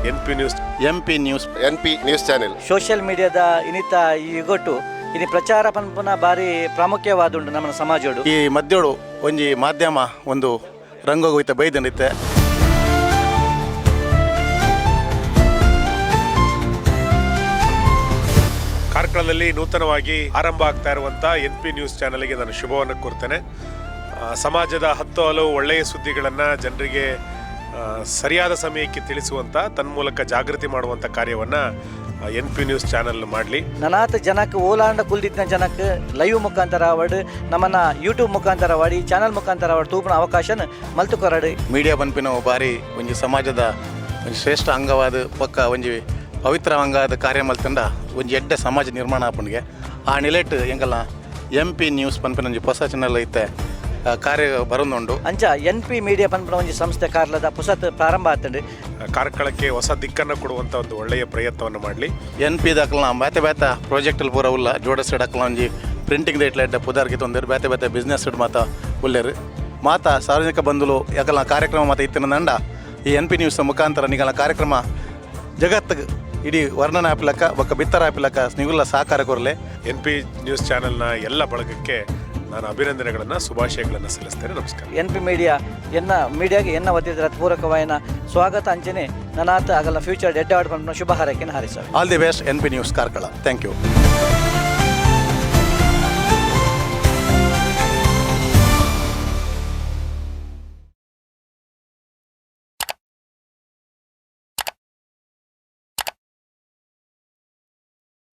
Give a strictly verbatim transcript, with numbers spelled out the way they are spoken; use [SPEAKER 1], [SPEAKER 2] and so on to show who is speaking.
[SPEAKER 1] N P news
[SPEAKER 2] M P news
[SPEAKER 3] N P news channel
[SPEAKER 4] social ಮೀಡಿಯಾದ ಇನಿತ ಈ ಯುಗೊಟ್ಟು ಇನಿ ಪ್ರಚಾರ ಪನ್ಪುನ ಬಾರಿ ಪ್ರಾಮುಖ್ಯವಾದುಂಡು ನಮ್ಮ ಸಮಾಜೋಡು.
[SPEAKER 2] ಈ ಮಧ್ಯೋಡು ಒಂಜಿ ಮಾಧ್ಯಮ ಒಂದು ರಂಗೋಗೋಯ್ತ ಬೈದನಿತ್ತೆ.
[SPEAKER 1] ಕಾರ್ಕಳದಲ್ಲಿ ನೂತನವಾಗಿ ಆರಂಭ ಆಗ್ತಾ ಇರುವಂಥ ಎನ್ ಪಿ ನ್ಯೂಸ್ ಚಾನಲ್ಗೆ ನಾನು ಶುಭವನ್ನು ಕೋರ್ತೇನೆ. ಸಮಾಜದ ಹತ್ತು ಹಲವು ಒಳ್ಳೆಯ ಸುದ್ದಿಗಳನ್ನು ಜನರಿಗೆ ಸರಿಯಾದ ಸಮಯಕ್ಕೆ ತಿಳಿಸುವಂಥ ತನ್ಮೂಲಕ ಜಾಗೃತಿ ಮಾಡುವಂಥ ಕಾರ್ಯವನ್ನು ಎನ್ ಪಿ ನ್ಯೂಸ್ ಚಾನಲ್ ಮಾಡಲಿ.
[SPEAKER 4] ನನಾತ್ ಜನಕ್ಕೆ ಓಲಾಂಡ ಕುಲ್ದಿದ್ದ ಜನಕ್ಕೆ ಲೈವ್ ಮುಖಾಂತರ ಅವಡು ನಮ್ಮನ್ನ ಯೂಟ್ಯೂಬ್ ಮುಖಾಂತರ ವಾಡಿ ಚಾನಲ್ ಮುಖಾಂತರ ಅವಡು ತೂಪಿನ ಅವಕಾಶನ ಮಲ್ತು ಕೊರಡು.
[SPEAKER 2] ಮೀಡಿಯಾ ಪನ್ಪಿನ ಬಾರಿ ಒಂಜಿ ಸಮಾಜದ ಒಂಜಿ ಶ್ರೇಷ್ಠ ಅಂಗವಾದ ಪಕ್ಕ ಒಂಜಿ ಪವಿತ್ರ ಅಂಗವಾದ ಕಾರ್ಯ ಮಲ್ತಂಡ ಒಂಜಿ ಎಡ್ಡೆ ಸಮಾಜ ನಿರ್ಮಾಣ ಆಪಣಿಗೆ ಆ ನಿಲೆಟ್ ಎಂಗಲ್ಲ ಎಂ ಪಿ ನ್ಯೂಸ್ ಪನ್ಪಿನ ಒಂಜಿ ಹೊಸ ಚಾನಲ್ ಐತೆ ಕಾರ್ಯ ಬರೋದುಂಡು.
[SPEAKER 4] ಅಂಚ ಎನ್ ಪಿ ಮೀಡಿಯಾ ಪನ್ಪುನ ಒಂಜಿ ಸಂಸ್ಥೆ ಕಾರ್ಲದ ಪುಸತ್ ಪ್ರಾರಂಭ ಆಗ್ತದೆ.
[SPEAKER 1] ಕಾರ್ಕಳಕ್ಕೆ ಹೊಸ ದಿಕ್ಕನ್ನು ಕೊಡುವಂಥ ಒಂದು ಒಳ್ಳೆಯ ಪ್ರಯತ್ನವನ್ನು ಮಾಡಲಿ.
[SPEAKER 2] ಎನ್ ಪಿ ದಾಖಲ ಬೇತೆ ಬೇತೆ ಪ್ರಾಜೆಕ್ಟಲ್ಲಿ ಪೂರ ಉಲ್ಲ ಜೋಡಿಸಿಡಕ್ಕಲ ಒಂಜಿ ಪ್ರಿಂಟಿಂಗ್ ಇಟ್ಲೆಡ್ಡೆ ಪುದಾರ್ಗೆ ತೊಂದರೆ ಬೇತೆ ಬೇತೆ ಬಿಸ್ನೆಸ್ ಇಡ್ ಮಾತ ಉಲ್ಲೇರು ಮಾತ ಸಾರ್ವಜನಿಕ ಬಂಧುಲು ಯಾಕಲ್ಲ ಕಾರ್ಯಕ್ರಮ ಮಾತ ಇತ್ತಿನ ನಂಡ ಈ ಎನ್ ಪಿ ನ್ಯೂಸ್ ಮುಖಾಂತರ ನಿಗಲ ಕಾರ್ಯಕ್ರಮ ಜಗತ್ತಿಗೆ ಇಡೀ ವರ್ಣನ ಆಪಿಲಕ್ಕ ಒಕ್ಕ ಬಿತ್ತರ ಆಪಿಲಕ್ಕ ನಿಗುಲ್ಲ ಸಹಕಾರ ಕೊರಲೆ.
[SPEAKER 1] ಎನ್ ಪಿ ನ್ಯೂಸ್ ಚಾನೆಲ್ನ ಎಲ್ಲ ಬಳಗಕ್ಕೆ ನಾನು ಅಭಿನಂದನೆಗಳನ್ನು ಶುಭಾಶಯಗಳನ್ನು ಸಲ್ಲಿಸ್ತೇನೆ. ನಮಸ್ಕಾರ.
[SPEAKER 4] ಎನ್ ಪಿ ಮೀಡಿಯಾ ಎನ್ನ ಮೀಡಿಯಾಗೆ ಎನ್ನ ವತಿದ ಪೂರಕವಾಯಿನ ಸ್ವಾಗತ ಅಂಚನೆ ನನಾತ್ ಆಗಲ್ಲ ಫ್ಯೂಚರ್ ಡೆಡ್ ಆಡ್ ಪನ್ಪುನ ಶುಭ ಹಾರೈಕೆಯನ್ನು ಹಾರಿಸ.
[SPEAKER 2] All the best N P news Karkala. Thank you.